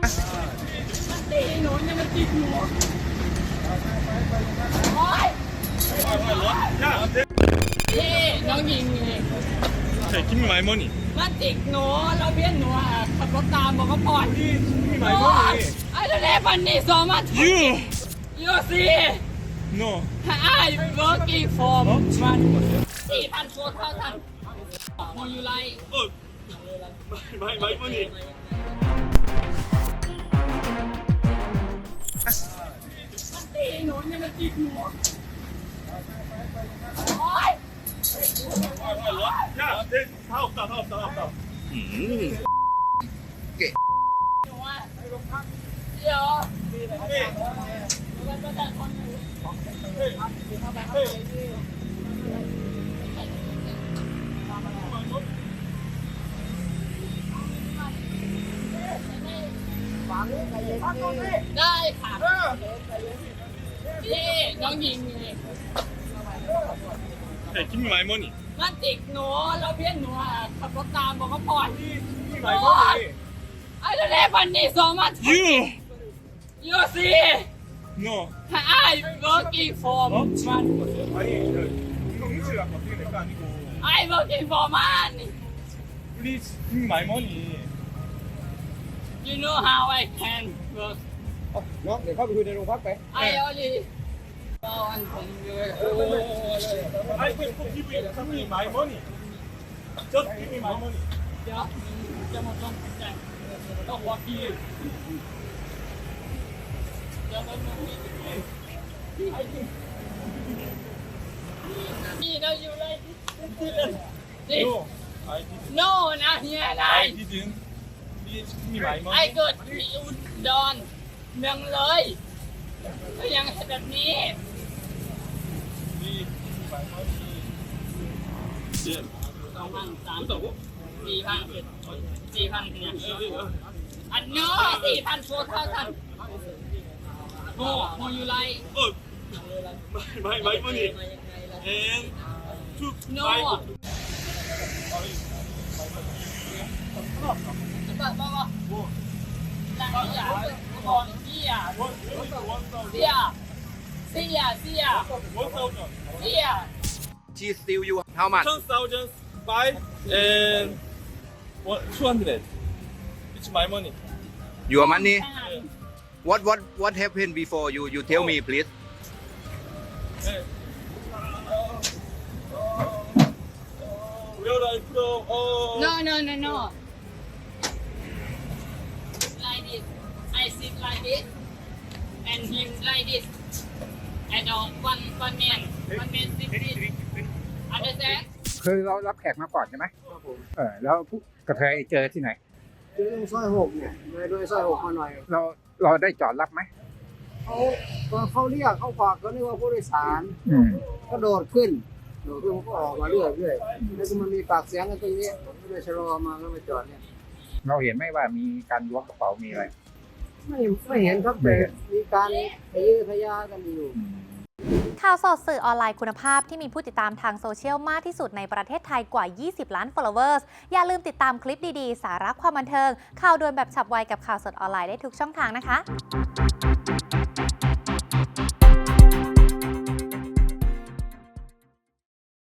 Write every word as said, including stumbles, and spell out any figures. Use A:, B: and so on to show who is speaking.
A: มันตีหนูเนี่ยมันตีหนูโอ๊ยพี่น้องยิงไง
B: ใช่กินมีไม้มอนี่
A: มันติดหนูเราเพี้ยนหนูอ่ะขับรถตามบอกเขาปล่อย
B: นี่มีไม้มอนี่
A: ไอ้เด็กมันนี่สองมัน
B: you
A: you see
B: no
A: I working for มันสี่พันโฟร์เท่าทันโมยูไล
B: เออไม้ไม้มอนี่
A: มันตีหนูเนี่ยมันตีหนูโอ๊ย
B: 야, 내 다 없다, 다 없다, 다 없다. 음.
A: หนูอ่ะเดี๋ยวได้ค่ะพี่น้องยิงไง
B: ใช่กินมีไม้มอนี่
A: มันติดหนูเราเพี้ยนหนูอ่ะขับรถตามบอกเขาปล่อย
B: นี่มีไม้มอนี่
A: ไอ้เด็กมันนี่สองมัน
B: you
A: you see
B: no
A: I working for มัน
B: 아니 그 운동인지가 어떻게 될거 아니고
A: I working for มัน
B: please give me my money
A: you know how I can work
C: น้องเดี๋ยวเข้าไปคุยในโรงพักไป
A: I only ตอนผมอยู่โอ้
B: I will give you give me my money just give me my money
A: เดี๋ยวจะมาต้องแจ้งต้องวอกี้เดี๋ยวมันนี่เราอยู่เลย
B: no I didn't
A: no นะเฮียนะ
B: I didn't please give me my
A: ไอ้
B: money
A: เกิดที่อุดรเมืองเลยก็ยังแบบนี้
B: please give me my money yeah
A: สองพันสามสี่พันสี่พันเนี่ยอันน้อสี่พันโฟร์เท่าทันโมโมยูไล
B: oh my my money and two
A: no
B: my
A: บอกบอกบอกหลังเสียก่อนเสีย
B: one one
A: เสียเสียเสีย
B: one thousand
A: เสีย
C: She steal you how much
B: ten thousand five and one two hundred. It's my money.
C: your money what what what happened before you you tell me please
B: Hey. Where I from? Oh.
A: no no no no like this I sit like this and him like this and one one man one man sit this understand
D: เคยเรารับแขกมาก่อนใช่ไหมเออแล้วผู้กระเทยเจอที่ไหน
E: เจอตรงซอยหกเนี่ยเลยโดยซอยหกมาหน่อย
D: เราเราได้จอดรับไหม
E: เขาตอนเขาเรียกเขาฝากเขาเรียกว่าผู้โดยสาร
D: อืม
E: ก็โดดขึ้นโดดขึ้นก็ออกมาเรื่อยเรื่อยแล้วก็มันมีปากเสียงกันตรงนี้ผมก็เลยชะลอมาก็มาจอดเนี่ย
D: เราเห็นไหมว่ามีการล้วงกระเป๋ามีอะไร
E: ไม่ไม่เห็นครับแต่มีการทะเยอทะยานกันอยู่
F: ข่าวสดสื่อออนไลน์คุณภาพที่มีผู้ติดตามทางโซเชียลมากที่สุดในประเทศไทยกว่า ยี่สิบ ล้าน followers อย่าลืมติดตามคลิปดีๆ สาระความบันเทิง ข่าวด่วนแบบฉับไวกับข่าวสดออนไลน์ได้ทุกช่องทางนะคะ